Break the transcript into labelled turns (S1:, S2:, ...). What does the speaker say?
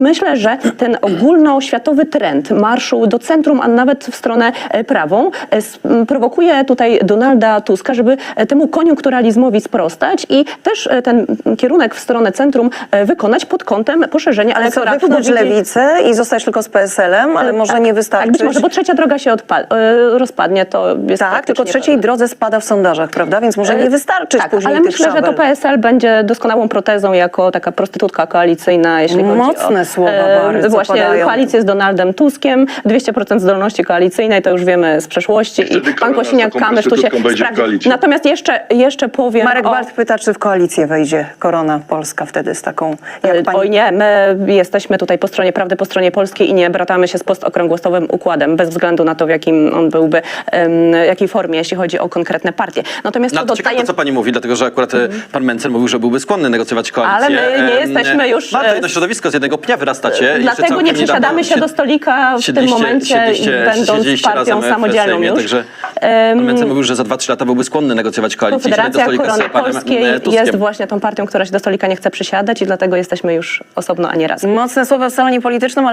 S1: Myślę, że ten ogólnoświatowy trend marszu do centrum, a nawet w stronę prawą, prowokuje tutaj Donalda Tuska, żeby temu koniunkturalizmowi sprostać i też ten kierunek w stronę centrum wykonać pod kątem poszerzenia
S2: Ale co,
S1: elektoratu.
S2: wypchnąć lewicę i zostać tylko z PSL-em, ale może nie wystarczy.
S1: Tak, być może, bo trzecia droga się rozpadnie, to jest
S2: tak, tylko trzeciej drodze spada w sondażach, prawda? Więc może nie wystarczyć
S1: tak,
S2: później
S1: ale
S2: tych
S1: myślę, że to
S2: szabel.
S1: PSL będzie doskonałą protezą jako taka prostytutka koalicyjna, jeśli chodzi
S2: Mocne
S1: o
S2: słowa bardzo
S1: właśnie
S2: padają.
S1: koalicję z Donaldem Tuskiem, 200% zdolności koalicyjnej, to już wiemy z przeszłości i pan Kosiniak-Kamysz tu się sprawdzi. Natomiast jeszcze powiem
S2: Marek Balt pyta, czy w koalicję wejdzie Korona Polska wtedy z taką, jak pani...
S1: Oj nie, my jesteśmy tutaj po stronie prawdy, po stronie polskiej i nie bratamy się z postokrągłosowym układem, bez względu na to, w jakim on byłby, jakiej formie, jeśli chodzi o konkretne partie. Natomiast
S3: No, ciekawe to, co pani mówi, dlatego że akurat pan Mencen mówił, że byłby skłonny negocjować koalicję.
S1: Ale my nie jesteśmy już...
S3: Bardzo jedno środowisko, z jednego pnia wyrastacie.
S1: Dlatego nie przesiadamy się do stolika w tym momencie, będąc partią samodzielną już.
S3: Także pan Mencen mówił, że za 2-3 lata byłby skłonny negocjować koalicję.
S1: Konfederacja Korony Polskiej
S3: Tuskiem.
S1: jest właśnie tą partią, która się do stolika nie chce przysiadać i dlatego jesteśmy już osobno, a nie razem.
S2: Mocne słowa w salonie politycznym, ale